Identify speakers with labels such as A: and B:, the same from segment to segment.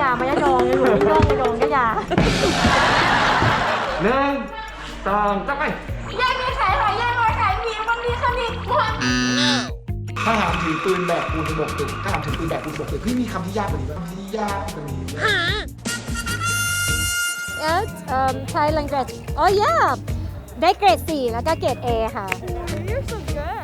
A: ยามายะดองอยู่ที่ดองยะดองกะยา
B: 1 2 3ไป
A: ยายมีขายหอยยายลอยขายหมีมันมีขนิกหมด
C: ถ้าถามถือปืนแบกปูนบกตึกถ้าถามถือปืนแบกปูนบกตึกพี่มีคำที่ยากกว่านี้ไหมคำที่ยากกว่านี้ไหม
A: Thai language oh yeah ได้เกรด 4 แล้วก็เกรด A ค่ะ You're so good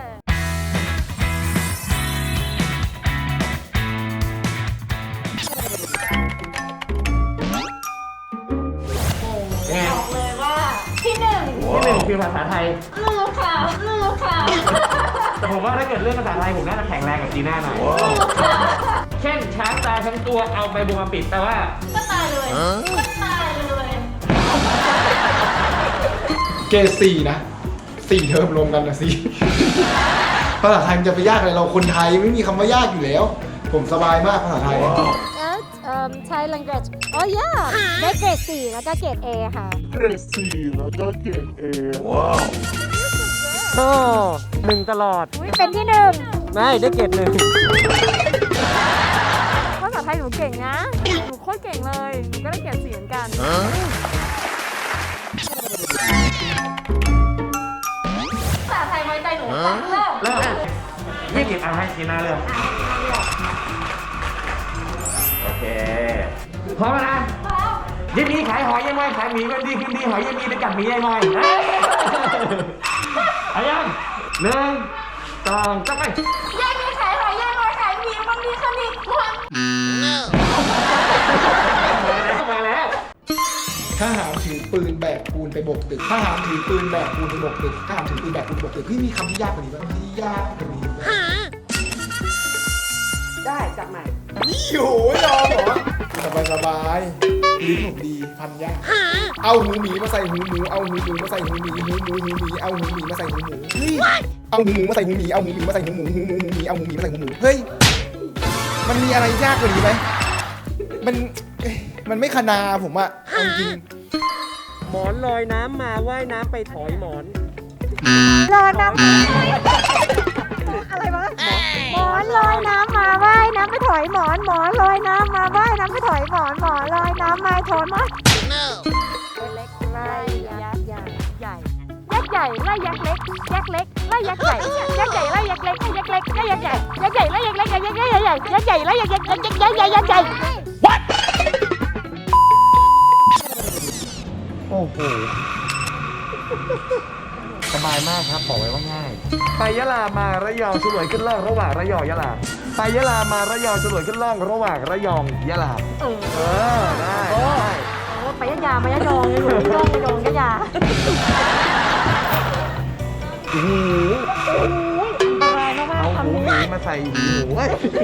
A: บอกเลยว่าที่หนึ่ง
B: คือภาษาไทย
A: ลูกค่ะลูกค่ะ
B: แต่ผมว่าถ้าเกิดเรื่องภาษาไทยผมน่าจะแข็งแรงกับจีน่าหน่อยเช่นช้างตายทั้งตัวเอาใบบัวมาปิดแต่ว่า
A: ก็ตายเลยก็ตายเลย
C: เกรด4นะ4เทอมรวมกันนะสิภาษาไทยมันจะไปยากอะไรเราคนไทยไม่มีคำว่ายากอยู่แล้ว ผมสบายมากภาษาไทย
A: Thai language oh yeah ได้เกรด 4 แล้วก็เกรด A ค่ะ
C: เกรด4แล้วก็เกรด A ว้าว
B: โอ้1ตลอด
A: เป็นที่ 1
B: ไม่ได้เกรด 1
A: ภาษาไทยหนูเก่งนะหนูโคตรเก่งเลยหนูก็ได้เกรด 4เหมือนกันภาษาไทยไว้ใจหนูเริ่ม
B: ยี่สิบเอาให้จีน่าเริ่มโอเคพร้อมแล้วนะยินดีขายหอยยังไงขายหมีก็ดีขึ้นดีหอยยังมีไปกัดหมียังไงเอายัง1 2 3ไป
A: ยายมีขายหอยยายลอยขายหมีมันมีขนิกหมด
B: มาแล้ว
C: ถ้าหามถือปืนแบกปูนไปบกตึกถ้าหามถือปืนแบกปูนไปบกตึกถ้าหามถือปืนแบกปูนไปบกตึกพี่มีคำที่ยากกว่านี้ไหมคำที่ยากกว่านี้ไหม
D: ได้จับใหม่
C: นี่โหยอมเหรอสบายลิ้นผมดีพันยากเอาหูหมีมาใส่หูหมูเอาหูหมูมาใส่หูหมีหูหมูหูหมีเอาหูหมีมาใส่หูหมูเอาหูหมูมาใส่หูหมีเอาหูหมีมาใส่หูหมูหูหมูหูหมีเอาหูหมีมาใส่หูหมูเฮ้ยมันมีอะไรยากกว่านี้ไหมมันไม่คณาผมอะจริง
B: หมอนลอยน้ำมาว่ายน้ำไปถอยหมอน
A: ลอยน้ำอะไรวะหมอนลอยน้ำมาว่ายน้ำไปถอยหมอนหมอนลอยน้ำมาว่ายน้ำไปถอยหมอนหมอนลอยน้ำมาถอยหมอนเล็กไล่ยักษ์ใหญ่ยักษ์ใหญ่ไล่ยักษ์เล็กยักษ์เล็กไล่ยักษ์ใหญ่ยักษ์ใหญ่ไล่ยักษ์เล็กยักษ์เล็กไล่ยักษ์ใหญ่ยักษ์ใหญ่ไล่ยักษ์เล็กยักษ์ใหญ่ยักษ์ใหญ่ไล่ยักษ์ยักษ์ใหญ่ยักษ์ใหญ่ What
B: โอ้โหสบายมากครับบอกไว้ว่าง่ายไปยะลามาระยองฉลวยขึ้นล่องระหว่างระยองยะลาไปยะลามาระยองฉลวยขึ้นล่องระหว่างระยองยะลาได้
A: ไปยะยามายะดองอยู่ที่ดองยะดองกะยา
B: โอ้โหเอาหูหมีมาใส่หูหมู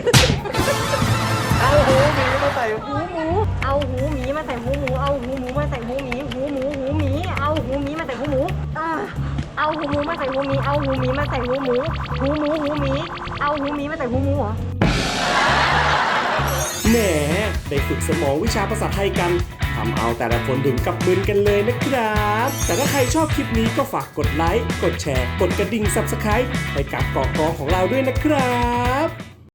B: เอาหูหมีมาใส่หูหมู
A: เอาหูหมีมาใส่หูหมูเอาหูหมูมาใส่หูหมีหูหมูหูหมีเอาหูหมีมาใส่หูหมูเอาหูหมูมาใส่หูหมีเอาหูหมีมาใส่หูหมูหูหมูหูหมีเอาหูหมีมาใส่หูหมูเหรอ
E: แหมได้ฝึกสมองวิชาภาษาไทยกันทำเอาแต่ละคนถึงกับมึนกันเลยนะครับแต่ถ้าใครชอบคลิปนี้ก็ฝากกดไลค์กดแชร์กดกระดิ่ง Subscribe ให้กับเกาะกอของเราด้วยนะครับ